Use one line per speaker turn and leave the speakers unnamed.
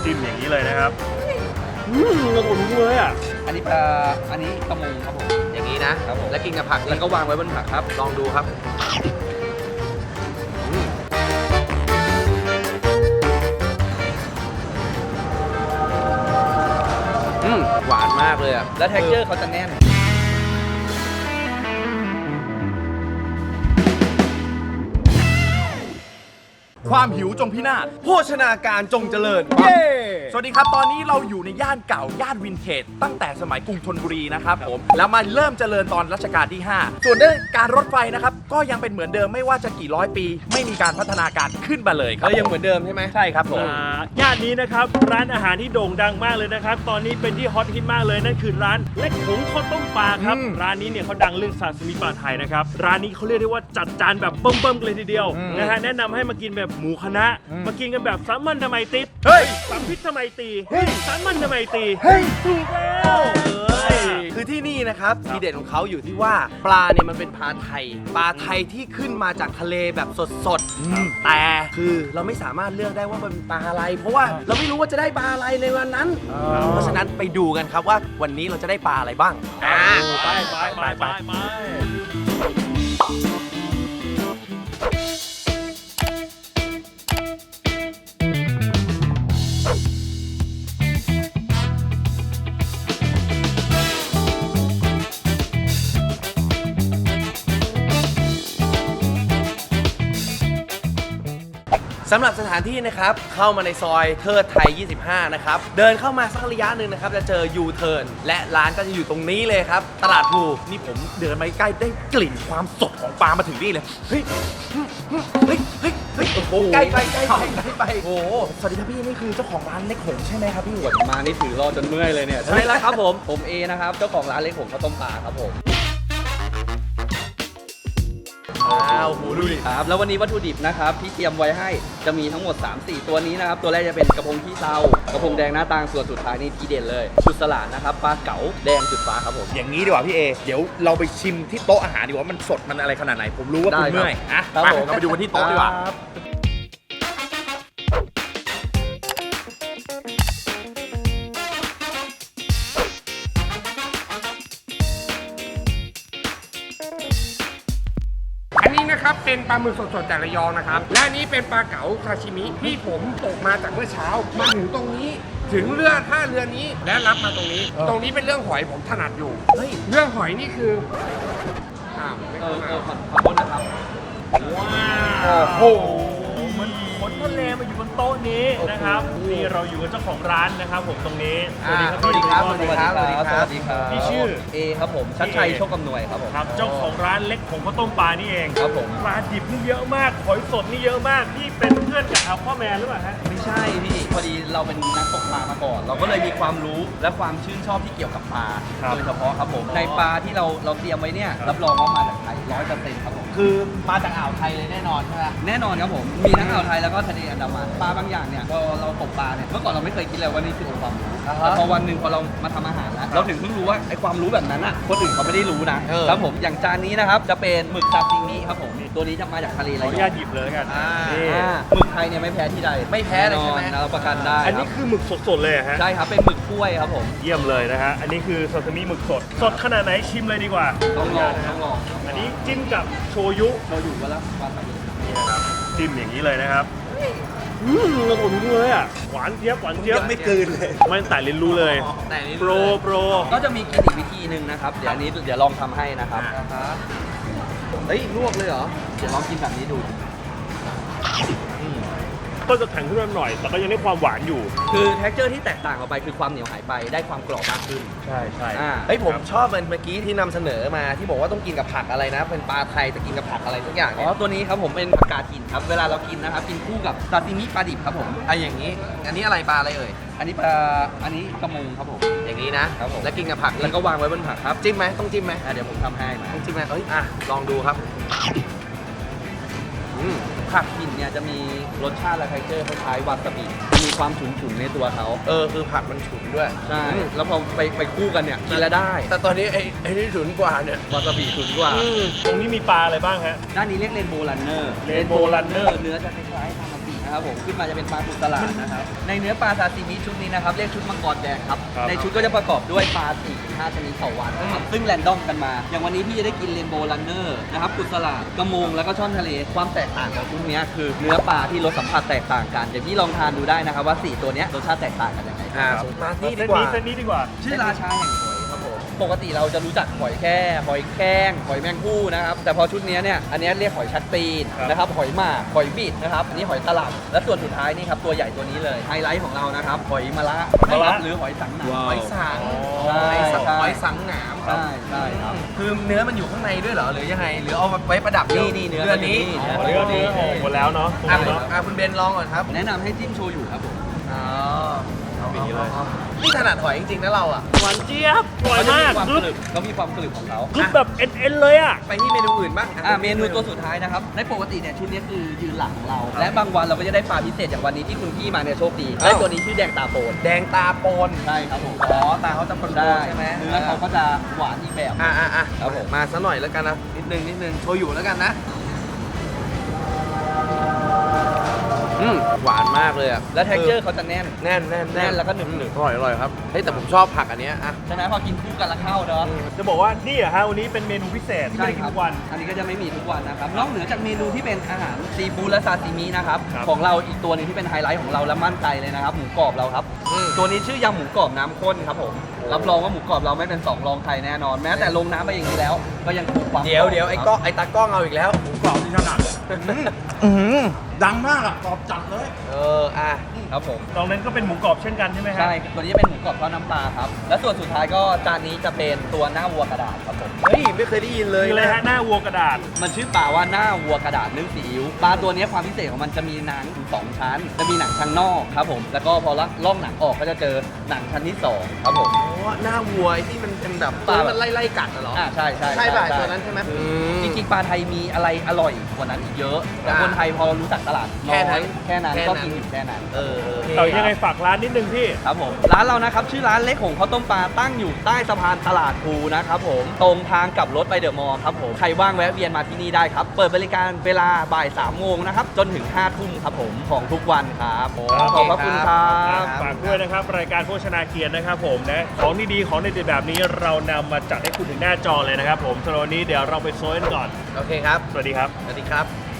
จิ้มอย่างนี้เลยนะครับกระโดดรู้เลยอ่ะ
อันนี้กระมงครับผม
อย่างนี้นะครับผมแล้วกินกับผัก
แล้วก็วางไว้บนผักครับ
ลองดูครับหวานมากเลยอ่ะ
แล้ว texture เขาจะแน่น
ความหิวจงพินาศ
โภชนาการจงเจริญ
เย้สวัสดีครับตอนนี้เราอยู่ในย่านเก่าย่านวินเทจตั้งแต่สมัยกรุงธนบุรีนะครับผมแล้วมาเริ่มเจริญตอนรัชกาลที่ 5 ส่วนเรื่องการรถไฟนะครับก็ยังเป็นเหมือนเดิมไม่ว่าจะกี่ร้อยปี ไม่มีการพัฒนาการขึ้นมาเลยครับ
ยังเหมือนเดิมใช่ไหม
ใช่ครับผมย่านนี้นะครับร้านอาหารที่โด่งดังมากเลยนะครับตอนนี้เป็นที่ฮอตฮิตมากเลยนั่นคือร้านเล็กหงข้าวต้มปลาครับร้านนี้เนี่ยเขาดังเรื่องซาซิมิปลาไทยนะครับร้านนี้เขาเรียกได้ว่าจัดจานแบบเบิ่มๆกันเลยทีเดียวนะฮะแนะนำให้มากินแบบหมูคณะมากินกันแบบสามัญทำไมติด
เฮ้ย
สามพิษทำไมตีสามัญทำไมตี
เฮ้ย
ถูกแล้ว
คือที่นี่นะครับทีเด็ดของเขาอยู่ที่ว่าปลาเนี่ยมันเป็นปลาไทยที่ขึ้นมาจากทะเลแบบสดๆแต่คือเราไม่สามารถเลือกได้ว่ามันเป็นปลาอะไรเพราะว่าเราไม่รู้ว่าจะได้ปลาอะไรในวันนั้นเพราะฉะนั้นไปดูกันครับว่าวันนี้เราจะได้ปลาอะไรบ้าง
ไป
สำหรับสถานที่นะครับเข้ามาในซอยเทิดไทย 25 นะครับเดินเข้ามาสักระยะหนึ่งนะครับจะเจอยูเทิร์นและร้านก็จะอยู่ตรงนี้เลยครับตลาดพลูนี่ผมเดินมาใกล้ได้กลิ่นความสดของปลามาถึงนี่เลยเฮ้ยโอ้โหใกล้ไปโอ้โหสวัสดีครับพี่นี่คือเจ้าของร้านเล็กหงใช่ไหมครับพี่
มานี่ถือรอจนเมื่อยเลยเนี่ยใช่แล้วครับผมเอนะครับเจ้าของร้านเล็กหงข้าวต้มปลาครับผมดูดิครับแล้ววันนี้วัตถุดิบนะครับที่เตรียมไว้ให้จะมีทั้งหมด 3-4 ตัวนี้นะครับตัวแรกจะเป็นกระพงขี้เตากระพงแดงหน้าตางส่วนสุดท้ายนี่ทีเด่นเลยชุดสลัดนะครับปลาเก๋าแดงจุดฟ้าครับผม
อย่างนี้ดีกว่าพี่เอเดี๋ยวเราไปชิมที่โต๊ะอาหารดีกว่ามันสดมันอะไรขนาดไหนผมรู้ว่าคุณเมื่อยเราไปดูกันที่โต๊ะดีกว่า
นะครับเป็นปลาหมึกสดๆจากระยองนะครับและนี้เป็นปลาเก๋าซาชิมิที่ผมตกมาจากเมื่อเช้ามาถึงตรงนี้ถึงท่าเรือนี้และรับมาตรงนี้ตรงนี้เป็นเรื่องหอยผมถนัดอยู่เรื่องหอยนี่คือ
ขอบคุณนะครับ
ว้าวโอ้โหมันขนทะเลมาอยู่บนโต๊ะนี้นะครับนี่เราอยู่กับเจ้าของร้านนะครับผมตรงนี้
สวัสดีครับ
พี่ชื่อ
เอครับผมชัดชัยโชคกำนวยครับผม
ครับเจ้าของร้านเล็กหงข้าวต้มปลานี่เอง
ครับผม
ปลาดิบนี่เยอะมากหอยสดนี่เยอะมากพี่เป็นเพื่อนกับพ่อแม่หรือเปล่าฮะ
ไม่ใช่พี่พอดีเราเป็นนักตกปลามาก่อนเราก็เลยมีความรู้และความชื่นชอบที่เกี่ยวกับปลาโดยเฉพาะครับผมในปลาที่เราเตรียมไว้เนี่ยรับรองว่ามาจากไทย 100% ครับผม
คือมาจากอ่าวไทยเลยแน่นอนใช่ไหม
แน่นอนครับผมมีทั้งอ่าวไทยแล้วก็ทะเลอันดามันปลาบางอย่างเนี่ยพอเราตกปลาเนี่ยเมื่อก่อนเราไม่เคยคิดเลยว่านี่คือองค์ความรู้แต่พอวันหนึ่งพอเรามาทำอาหารแล้วเราถึงเพิ่งรู้ว่าไอ้ความรู้แบบนั้นอ่ะคนอื่นเขาไม่ได้รู้นะครับผมอย่างจานนี้นะครับจะเป็นหมึกซาซิมิครับผมตัวนี้จะมาจากทะเลระยอง
ขออนุญาตหยิบเลยกัน
หมึกไทยเนี่ยไม่แพ้ที่ใด
ไม่แพ้เลยใช่ไหม
เราประกันได้
อันนี้คือหมึกสดๆเลยฮะ
ใช่ครับเป็นหมึกกล้วยครับผม
เยี่ยมเลยนะฮะอันนี้คือซาซิมิหมึกสดขนาดไหนชิมเลยดีกว่า
ต้องลอง
อันนี้จิ้มกับโชยุ
ก็แล้ววาซาบิ
นี่นะครับจิ้มอย่างนี้เลยนะครับกระโดดรู้เลยอ่ะหวานเจี๊ยบ
ยังไม่กลืนเลย
ไม่แต่ลิ้นรู้เลยโปร
ก็จะมีกินอีกวิธีหนึ่งนะครับเดี๋ยวอันนี้เดี๋ยวลองทำให้นะครับ
เฮ้ยลวกเลยเหรอ
เดี๋ยวลองกินแบบนี้ดู
ก็จะแข็งขึ้นมาหน่อยแต่ก็ยังได้ความหวานอยู่
คือเท็กเจอร์ที่แตกต่างออกไปคือความเหนียวหายไปได้ความกรอบมากขึ้น
ใช่
เฮ้ยผมชอบเมื่อกี้ที่นำเสนอมาที่บอกว่าต้องกินกับผักอะไรนะเป็นปลาไทยแต่กินกับผักอะไรทุกอย่าง
ตัวนี้ครับผมเป็นผักกาดหินครับเวลาเรากินนะครับกินคู่กับซาซิมิปลาดิบครับผม
อย่างนี้อันนี้อะไรปลาอะไรเอ่ย
อันนี้กระมงครับผม
อย่างนี้นะครับผมแล้วกินกับผัก
แล้วก็วางไว้บนผักครับ
จิ้มไหมต้องจิ้มไหม
เดี๋ยวผมทำให้
ต้องจิ้มไหมลองดูครับ
ผักหินเนี่ยจะมีรสชาติและเท็กเจอร์คล้ายๆวาซาบิมีความฉุนๆในตัวเขา
คือผักมันฉุนด้วย
ใช่แล้วพอไปคู่กันเนี่ยกินแล้วได้
แต่ตอนนี้ไอ้นี่ฉุนกว่าเนี่ยว
าซาบิฉุนกว่า
ตรงนี้มีปลาอะไรบ้างฮะ
ด้านนี้เรียกเรนโบว์รันเนอร์
เนื้อจะคล้ายๆฮามาบิ
นะครับผมขึ้นมาจะเป็นปลากุสลาดนะครับในเนื้อปลาซาซิมิชุดนี้นะครับเรียกชุดมังกรแดงครับในชุดก็จะประกอบด้วยปลา4-5ชนิดต่อวันนะครับซึ่งแรนดอมกันมาอย่างวันนี้พี่จะได้กินเรนโบว์รันเนอร์นะครับกุสลาดกระมงแล้วก็ช่อนทะเลความแตกต่างของชุดนี้คือเนื้อปลาที่รสสัมผัสแตกต่างกันเดี๋ยวพี่ลองทานดูได้นะครับว่า4ตัวเนี้ยรสชาติแตกต่างกันยังไง
มาที่
เส้
ดี
น
กว่า
นี้เส้นนี้ดีกว่า
ชื่อราชาแห่งหอยครับผมปกติเราจะรู้จักหอยแค่หอยแครงหอยแมงผู้นะครับแต่พอชุดนี้เนี่ยอันนี้เรียกหอยชัดตีนนะครับหอยหมากหอยบิดนะครับอันนี้หอยตลับและส่วนสุดท้ายนี่ครับตัวใหญ่ตัวนี้เลยไฮไลท์ของเรานะครับหอยมะระหรือหอยสังหนาม
หอยสัง
ใช่
หอยสังหนาม
ใช่ใช่ครับ
คือเนื้อมันอยู่ข้างในด้วยเหรอหรือยังไง หรือเอาไว้ประดับ
นี่เนื้อ
เดือนนี้
เนื้
เนื้อเนื้อออกหมดแล้วเนาะตรง
อ่ะ
นี้เนาะ
คุณเบนลองก่อนครับ
แนะนำให้จิ้มโชยุครับผม
อ๋อเอาอย่างนี้เลยนี่ถนัดหอยจริงๆนะเราอ่ะ
หวานเจี๊ยบอร่อยมาก
เขามีความกรึบของเขา
กรึบแบบเอ็นเลยอ่ะ
ไปที่เมนูอื่นบ้าง
เมนูตัวสุดท้ายนะครับในปกติเนี่ยชุดนี้คือยืนหลังของเรา และบางวันเราก็จะได้ปลาพิเศษอย่างวันนี้ที่คุณพี่มาเนี่ยโชคดีได้ตัวนี้ชื่อแดงตาโปน
แดงตาโปน
ใช่ครับผม
อ๋อตาเขาจะโปน
ได้
ใช่ไหม
เนื้อเขาก็จะหวานอีกแบบ
อ่ะ
ครับผม
มาซะหน่อยแล้วกันนะนิดนึงโชยุแล้วกันนะหวานมากเลยอ่ะ
แล้ว texture เขาจะแน่น
แน่น
แน่นแล้วก็หนึบ
อร่อยครับเฮ้ยแต่ผมชอบผักอันเนี้ยอ่ะ
ใช่ไหมพอกินคู่กันแล้วเข้าเนาะ
จะบอกว่านี่อะฮะวันนี้เป็นเมนูพิเศษที่ไม่ได้กินทุกวัน
อันนี้ก็จะไม่มีทุกวันนะครับ นอกเหนือจากเมนูที่เป็นอาหารซีฟู้ดและซาซิมินะครับ
ครับ
ของเราอีกตัวหนึงที่เป็นไฮไลท์ของเราและมั่นใจเลยนะครับ หมูกรอบเราครับ ตัวนี้ชื่อยำหมูกรอบน้ำข้นครับผม รับรองว่าหมูกรอบเราไม่เป็นสองรองใครแน่นอน แม้แต่ลงน้ำไปอย่างนี้แล้ว ก็ยังคงความ
เดี๋ยวไอ้ก้องไอ้ตากล้องเอาอีกแล้ว
กรอบที่ถนัด
ดังมากอ่ะตอบจัดเลย
อ่ะ
ครับผม
ตรงนั้นก็เป็นหมูกรอบเช่นกันใช่ไหมฮะ
ใช่ ตัวนี้จะเป็นหมูกรอบทอดน้ำปลาครับ และส่วนสุดท้ายก็จานนี้จะเป็นตัวหน้าวัวกระดาษครับผม
เฮ้ยไม่เคยได้ยินเลย
คืออะไรฮะหน้าวัวกระดาษ
มันชื่อปลาว่าหน้าวัวกระดาษนึ่งซีอิ๊วปลาตัวนี้ความพิเศษของมันจะมีหนังถึง2ชั้น จะมีหนังชั้นนอกครับผม แล้วก็พอล่องหนังออกก็จะเจอหนังชั้นที่2ครับผม
อ๋อหน้าวัวไอ้ที่มันเป็นแบบ
ปลา
มันไล่กัดเหรอ
ใช่ใช่
ใช่ป่ะตัวนั้นใช่ไหม
จริงๆปลาไทยมีอะไรอร่อยกว่านั้นอีกเยอะ แต่คนไทยพอรู้จักตลาดน้อยแค่นั้นก็กินอยู่แค่นั้น
แต่ยังไงฝากร้านนิดนึงพี่
ครับผมร้านเรานะครับชื่อร้านเล็กหงข้าวต้มปลาตั้งอยู่ใต้สะพานตลาดภูนะครับผมตรงทางกลับรถไปเดอะมอลล์ครับผมใครว่างแวะเวียนมาที่นี่ได้ครับเปิดบริการเวลาบ่าย3 โมงนะครับจนถึง5 ทุ่มครับผมของทุกวันครับขอบพระคุณครับ
ฝากด้วยนะครับรายการโภชนาเกียรตินะครับผมนะของดีๆของเด็ดๆแบบนี้เรานำมาจัดให้คุณถึงหน้าจอเลยนะครับผมสำหรับวันนี้เดี๋ยวเราไปโซนก่อน
โอเคครับ
สวัสดีครับ
สวัสดีครับ